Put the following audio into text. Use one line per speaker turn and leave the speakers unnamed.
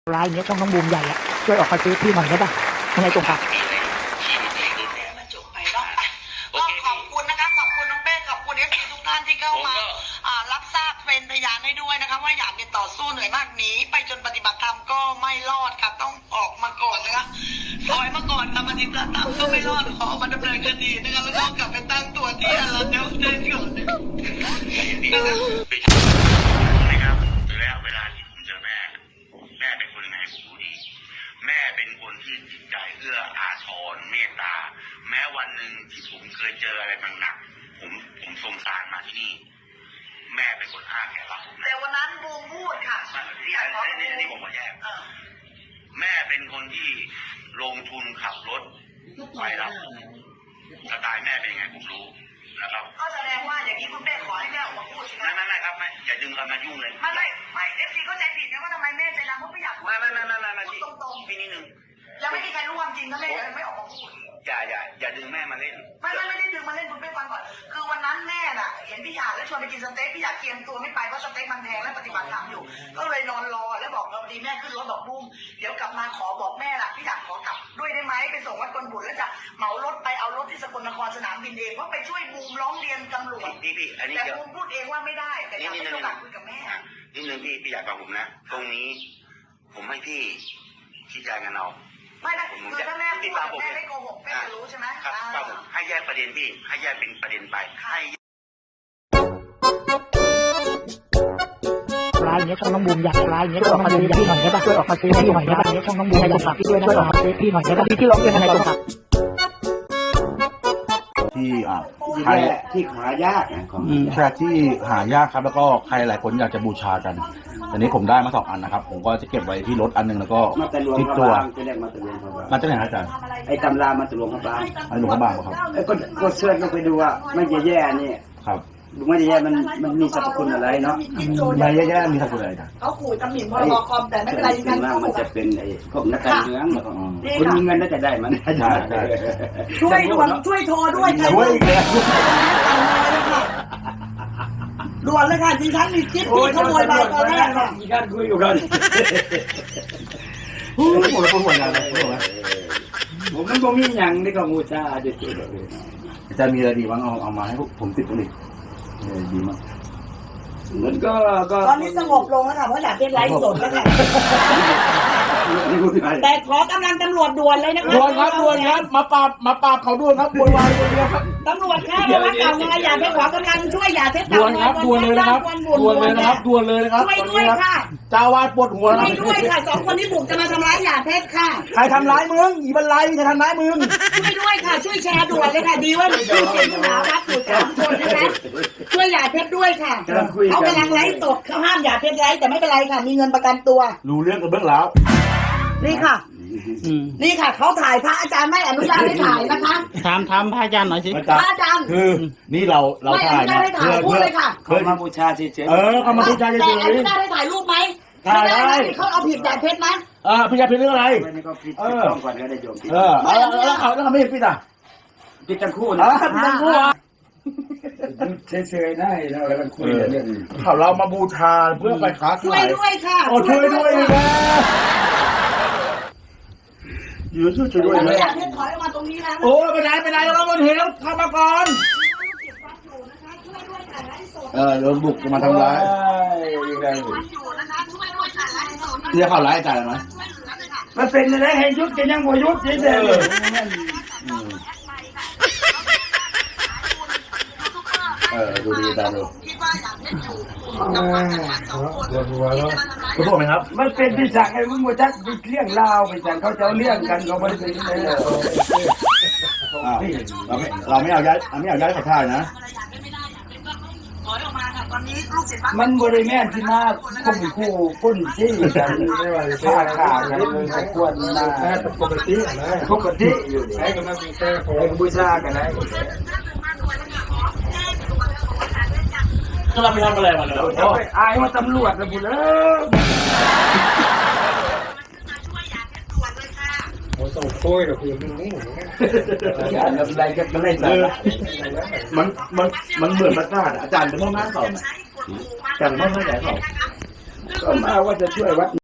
รายเนี้ยช่องน้องบูมใหญ่อะช่วยออกมาซื้อที่หน่อยได้ป่ะยังไงตรงค่ะ
ก็ขอบคุณนะคะขอบคุณน้องเป้ขอบคุณFCทุกท่านที่เข้ามารับทราบเป็นพยานให้ด้วยนะคะว่าอยากจะต่อสู้เหนื่อยมากหนีไปจนปฏิบัติธรรมก็ไม่รอดค่ะต้องออกมาก่อนนะคะถอยมาก่อนค่ะปฏิบัติธรรมก็ไม่รอดขอมาดำเนินคดีนะคะแล้วก็กลับไปตั้งตัวที่เราเดิมก่อน
นะครับและเวลาที่ผมเจอแม่เป็นคนยังไงผมรู้ดีแม่เป็นคนที่จิตใจเอื้ออาทรเมตตาแม้วันหนึ่งที่ผมเคยเจออะไรหนักๆผมสงสารมาที่นี่แม่เป็นคนอ้าแขนรับผม
แต่วันนั้นบูมพูดค่ะ
นี่ผมมาแยกแม่เป็นคนที่ลงทุนขับรถไปรับสไตล์แม่เป็นยังไงผมรู้นะครับ
ก็แสดงว่าอย่างนี้คุณแม่ขอให้แม่ออกมาพูดใช่ไหม
ไม่ครับไม่อย่าดึงกันมายุ่งเลย
ไม่FCเข้าใจผิดนะว่าทำไมแม่ใจดำเพราะไม่อยากพูดตรงๆ
พี่นิดนึง
ยังไม่มีใครรู้ความจริงถ้าแม่ยังไม่ออกมาพูด
อย่าดึงแม่มาเล่น
ไม่ได้ดึงมาเล่นคุณแม่ฟังก่อนคือวันนั้นแม่น่ะเห็นพี่หยาดแล้วชวนไปกินสเต็กพี่หยาดเตรียมตัวไม่ไปเพราะสเต็กมันแพงและปฏิบัติธรรมอยู่ก็เลยนอนรอแล้วบอกเราดีแม่ขึ้นรถบอกบุ้มเดี๋ยวกลับมาขอบอกแม่ล่ะพี่หยาดขอกลับด้วยได้ไหมไปส่งวัดกลบุตรแล้วจะเหมารถไปเอารถที่สกลนครสนามบินเองเพราะไปช่วยบูมร้องเรียนตำรวจแต่บูมพูดเองว่าไม่ได้แต่อยากให้โอกาสคุยกับแม่
นิดนึงพี่อยากฟังผมนะตรงนี้ผมให้พี่ชี้แจงกันเอา
ไม่คือถ้าแม่พูดแม่ไม่โกหกแม่จะรู้ใช่ไหม
ครับผมให้แยกประเด็นพี่ให้แยกเป็นประเด็นไปให้
รายเนี้ยช่องน้องบูมใหญ่รายเนี้ยช่วยออกมาซื้อที่หน่อยได้ป่ะช่วยออกมาซื้อที่หน่อยได้ป่ะเนี้ยช่องน้องบูมใหญ่ตรงค่ะช่วยออกมาซื้อที่หน่อยได้ป่ะที่ร้องยังไงตรงค่ะ
ที่ใคร
ที่หายากนะของ
ใช่ที่หายากครับแล้วก็ใครหลายคนอยากจะบูชากันอันนี้ผมได้มา2 อันนะครับผมก็จะเก็บไว้ที่รถอันนึงแล้วก็ที่ตัวมาจากไหนอาจารย์
ไอ้ตำรามาตะลวงพระบาง
อันหลวงพระบางครับ
ก็เสิร์ชลงไปดูว่าไม่แย่ๆนี่
ครับ
ไม่แย่มันมีสรรพคุณอะไรเนาะ
ไม่แย่ๆมีสรรพคุณอะไรกัน
เขาขู่ตำหนิพรบคอมแต่ไม่เป็นไร
กันมันจะเป็นไอ้พวกนักการเมืองคุณมีเงินน่าจะได้มัน
ช่วยด่วนช่วยโทรด้วย
ช่วยเลย
ด่วนเลยค่ะดิฉันมีคลิปที่ขโมยไปตอนแรกค่ะ
มีการคุยอยู่กัน
ผมเป็นหัวงานเลย
ผมมันก็มีอย่างนี่ก็มูชาจะเจอเลย
จะมีอะไรดีบ้างเอามาให้ผมติดตรงนี้ดีมาก
มันก็
ตอนนี้สงบลงแล้วค่ะเพราะอยากเป็นไลฟ์สดแล้วค่ะแต่ขอกำลังตำรวจด่วนเลยนะคะ
ด่วนครับมาปราบเขาด่วนครับด่วนครับ
ตำรวจค่ะมาเก่ามาอยากไปขอกำลังช่วยอย่าเท
ด่วนครับด่วนเลยนะครับด่วนเลยนะครับ
ช่วยด้วยค่ะ
เจ้าวาดปวดหัว
ช่วยด้วยค่ะ2 คนที่บุกจะมาทำร้ายอย่าเพชรค่ะ
ใครทำร้ายมึงอีบันไลจะทำร้ายมึง
ช่วยด้วยค่ะช่วยแชร์ด่วนเลยค่ะดีว่ามีผู้เสียหายรับอยู่3 คนนะคะช่วยอย่าเพชรด้วยค่ะเขากำลังไลฟ์สดเขาห้ามอย่าเพชรไลฟ์แต่ไม่เป็นไรค่ะมีเงินประกันตัว
รู้เรื่องกันเบื้องแล้ว
นี่ค่ะนี่ค่ะเขาถ่ายพระอาจารย์ไม่อนุญาตให้ถ่ายนะคะ
ถามพระอาจารย์หน่อยสิ
พระอาจารย์
คือนี่เราถ่าย
นะเ
พื่อมาบูชาเฉย
ๆเขามาบูชาเฉยๆ
แต่อนุญาตให้ถ่ายรูปไหม
ถ่ายได้
เขาเอาผิดอย่าเพชรไหม
ผิดอย่าเพชรเรื่องอะไร
ต้องก่อนก็ได้โยม
แล้วเขาไม่เห็นผิด
ผิดทั้งคู่นะ
ผิดทั้งคู่
เฉยๆได้แล้วกันคุยเรื่อง
เรามาบูชาเพื่อไปค้าขาย
ช่วยด้วยค่ะ
ช่วยด้วยนะช่วยด้วย
นะอยากให้ถอยออกมาตรงนี้นะ
โอ้ไปไหนเราบนเหวเข้ามาก่อนโดนบุกมาทำร้ายเนี่ยเขาไล่จ่ายไหม
มันเป็นอะไรให้ยุดกันยังบ่ยุดเฉย
ดูดีตาดูคุณบอกไหมครับ
มันเป็นที่สั่งไอ้มึงว่าจักไปเลี้ยงลาวไปสั่งเขาจะเลี้ยงกันเขาไม่ได้เป็นเลย
เราไม่เอาย้ายขอทานนะ
มันบริแม่ที่มาข่มขู่คนที่กันฆ่ากันควรนะปกติอยู่ไอ้ก็มันมีแค่บูชากันนะ
ก็เราไปทำอะไรมาเลย
อายว่าตำรวจนะบุญต้องโค้ยกับคุณนี่อะไรกันอะไร
มันเหมือนประกาศอาจารย์เป็นพ่อแม่สอนแต่พ่อแม่ใหญ่สอน
ก็มาว่าจะช่วยวัด